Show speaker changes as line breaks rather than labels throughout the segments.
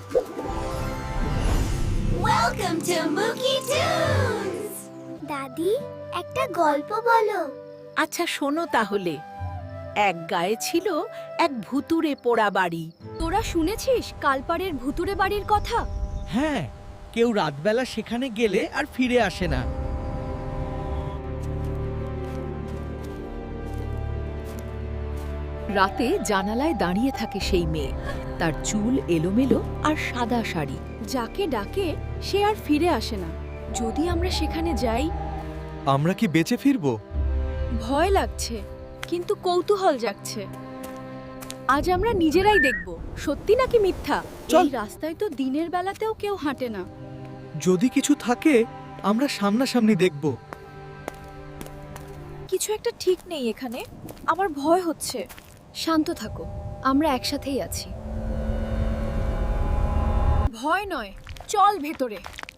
Welcome to Mookie Tunes! দাদি, একটা গল্প বলো।
আচ্ছা শোনো তাহলে। এক গায়ে ছিল এক ভুতুড়ে পোড়া বাড়ি।
তোরা শুনেছিস কালপাড়ের ভুতুড়ে বাড়ির কথা?
হ্যাঁ, কেউ রাতবেলা সেখানে গেলে আর ফিরে আসে না।
রাতে জানালায় দাঁড়িয়ে থাকে সেই মেয়ে। তার চুল এলোমেলো আর সাদা শাড়ি।
যাকে ডাকে সে আর ফিরে আসে না। যদি আমরা সেখানে যাই?
আমরা কি বেঁচে ফিরবো?
ভয় লাগছে, কিন্তু কৌতূহল জাগছে। আজ আমরা নিজেরাই দেখব সত্যি নাকি মিথ্যা।
চল।
এই রাস্তায় তো দিনের বেলাতেও কেউ হাঁটে না।
যদি কিছু থাকে আমরা সামনাসামনি দেখব।
কিছু একটা ঠিক নেই এখানে। আমার ভয় হচ্ছে। শান্ত থাকো, আমরা একসাথেই আছি। ভয় নয়, চল ভেতরে।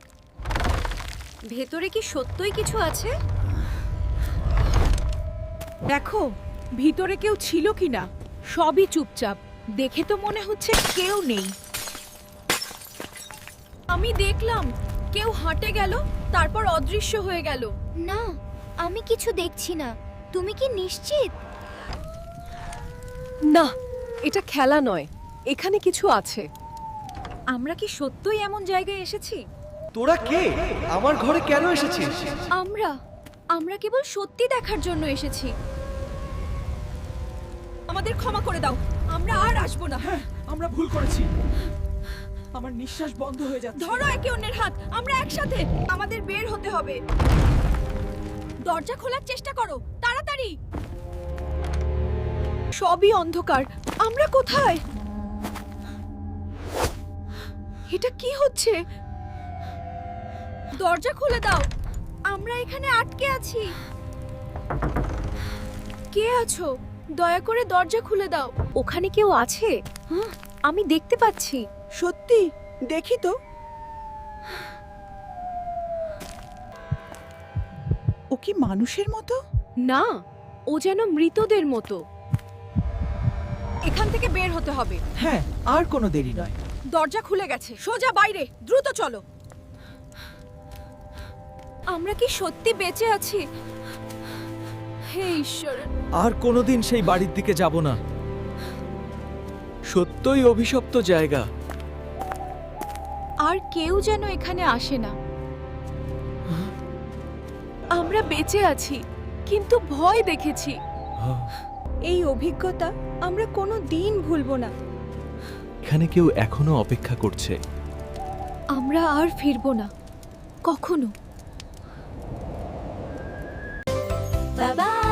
ভেতরে কি সত্যই কিছু আছে?
দেখো ভিতরে কেউ ছিল কিনা। সবই চুপচাপ। দেখে তো মনে হচ্ছে কেউ নেই।
আমি দেখলাম কেউ হাঁটে গেল, তারপর অদৃশ্য হয়ে গেল।
না, আমি কিছু দেখছি না। তুমি কি নিশ্চিত?
না, এটা খেলা নয়, এখানে কিছু আছে।
আমরা কি সত্যই এমন জায়গায় এসেছি?
তোরা কে? আমার ঘরে কেন এসেছিস?
আমরা কেবল সত্যি দেখার জন্য এসেছি। আমাদের ক্ষমা করে দাও, আমরা আর আসবো না।
আমরা ভুল করেছি। আমার নিঃশ্বাস বন্ধ হয়ে যাচ্ছে।
ধরো একে অন্যের হাত, আমরা একসাথে। আমাদের বের হতে হবে। দরজা খোলার চেষ্টা করো, তাড়াতাড়ি। সবই অন্ধকার। আমরা কোথায়? এটা কি হচ্ছে? দরজা খুলে দাও, আমরা এখানে আটকে আছি। কে আছো? দয়া করে দরজা খুলে দাও। ওখানে কেউ আছে? আমি দেখতে পাচ্ছি।
সত্যি, দেখি তো। ও কি মানুষের মতো?
না, ও যেন মৃতদের মতো। এখান থেকে বের হতে হবে।
হ্যাঁ, আর কোনো দেরি নয়।
দরজা খুলে গেছে, সোজা বাইরে, দ্রুত চলো। আমরা কি সত্যি বেঁচে আছি? হে ঈশ্বর!
আর কোনোদিন সেই বাড়ির দিকে যাব না। সত্যই অভিশপ্ত জায়গা।
আর কেউ যেন এখানে আসে না। আমরা বেঁচে আছি, কিন্তু ভয় দেখেছি। এই অভিজ্ঞতা আমরা কোনো দিন ভুলবো না।
এখানে কেউ এখনো অপেক্ষা করছে।
আমরা আর ফিরবো না, কখনো।
বাবা।